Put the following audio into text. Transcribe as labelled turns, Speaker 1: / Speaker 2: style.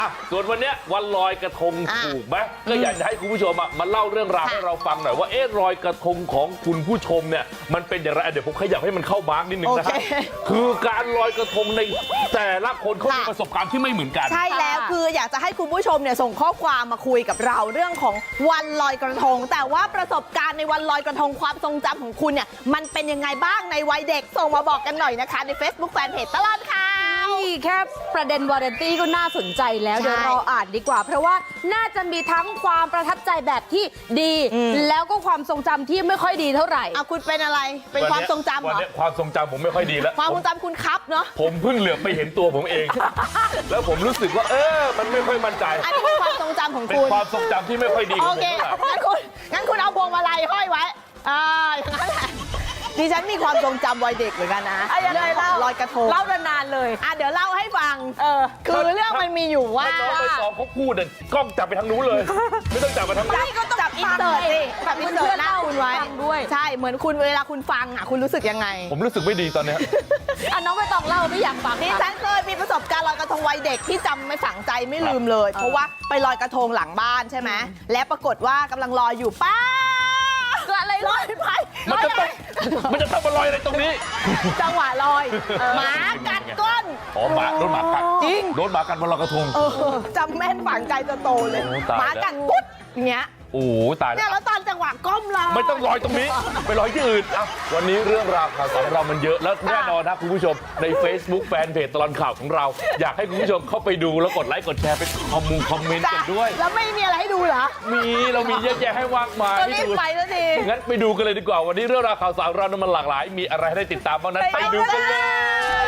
Speaker 1: ส่วนวันนี้วันลอยกระทงถูกไหมก็อยากจะให้คุณผู้ชมมาเล่าเรื่องราวให้เราฟังหน่อยว่าลอยกระทงของคุณผู้ชมเนี่ยมันเป็นอย่างไรเดี๋ยวผมขยับให้มันเข้ามาร์กนิดนึงนะฮะคือการลอยกระทงในแต่ละคนเขามีประสบการณ์ที่ไม่เหมือนกัน
Speaker 2: ใช่แล้วคืออยากจะให้คุณผู้ชมเนี่ยส่งข้อความมาคุยกับเราเรื่องของวันลอยกระทงแต่ว่าประสบการณ์ในวันลอยกระทงความทรงจำของคุณเนี่ยมันเป็นยังไงบ้างในวัยเด็กส่งมาบอกกันหน่อยนะคะใน Facebook Fanpage ตลอดข่าว
Speaker 3: แค่ประเด็นวาไรตี้ก็น่าสนใจแล้วเดี๋ยวรออ่านดีกว่าเพราะว่าน่าจะมีทั้งความประทับใจแบบที่ดีแล้วก็ความทรงจำที่ไม่ค่อยดีเท่าไหร่
Speaker 2: คุณเป็นอะไรเป็นความทรงจำเหรอ
Speaker 1: วันนี้ความทรงจำผมไม่ค่อยดีแล้ว
Speaker 2: ความทรงจำคุณครับเนาะ
Speaker 1: ผมเพิ่งเหลือไปเห็นตัวผมเอง แล้วผมรู้สึกว่ามันไม่ค่อยมั่นใจ
Speaker 2: อันนี้เป็นความทรงจำของคุณ
Speaker 1: เป็นความทรงจำที่ไม่ค่อยดีของผมเท่าไหร่
Speaker 2: งั้นคุณเอาพวงมาลัยห้อยไว้อย่างนั้นแหละดิฉันมีความทรงจำวัยเด็กเหมือนกันนะเรื่องของลอยกระทง
Speaker 3: เล่านานๆเลย
Speaker 2: เดี๋ยวเล่าให้ฟังคือเรื่องมันมีอยู่ว่า
Speaker 1: น้องไปสองเขาพูดกล้องจับไปทางนู้นเลย ไม่ต้องจับไปทางนี้
Speaker 2: ก็ต้องจับอินเสิร์ตสิจับอินเสิร์ตหน้าคุณไว้
Speaker 3: ด้วย
Speaker 2: ใช่เหมือนคุณเวลาคุณฟังคุณรู้สึกยังไง
Speaker 1: ผมรู้สึกไม่ดีตอนนี้
Speaker 3: น้องไม่ต้องเล่าไม่อยากฟัง
Speaker 2: ดิฉันเคยมีประสบการณ์ลอยกระทงวัยเด็กที่จำไม่ฝังใจไม่ลืมเลยเพราะว่าไปลอยกระทงหลังบ้านใช่ไหมและปรากฏว่ากำลังลอยอยู่ป้าอะไรลอยไป
Speaker 1: มันจะทำมาลอยอะไรตรงนี้
Speaker 2: จังหวะลอยหมากัดก้น
Speaker 1: โดนหมากัด
Speaker 2: จริง
Speaker 1: โดนหมากัดบนลอยกระทง
Speaker 2: จำแม่นฝังใจจะโตเลยหมากัดกุ๊ดอย่างเงี้ย
Speaker 1: โอ้ตาย
Speaker 2: แล้วตอนจังหวะก้มลอย
Speaker 1: ไม่ต้องลอยตรงนี้ไปลอยที่อื่นวันนี้เรื่องราวข่าวสารเรามันเยอะแล้วแน่นอนนะคุณผู้ชมใน Facebook Fanpage ตลอดข่าวของเราอยากให้คุณผู้ชมเข้าไปดูแล้วกดไลค์กดแชร์ไปคอมเมนต์กันด้วย
Speaker 2: แล้วไม่มีอะไรให้ดูเหรอ
Speaker 1: เรามีเยอะแยะให้มากมาย
Speaker 2: ให้ดูไปแล้วสิ
Speaker 1: งั้นไปดูกันเลยดีกว่าวันนี้เรื่องราวข่าวสารเรามันหลากหลายมีอะไรให้ได้ติดตามบ้างนั้นไปดูกันเลย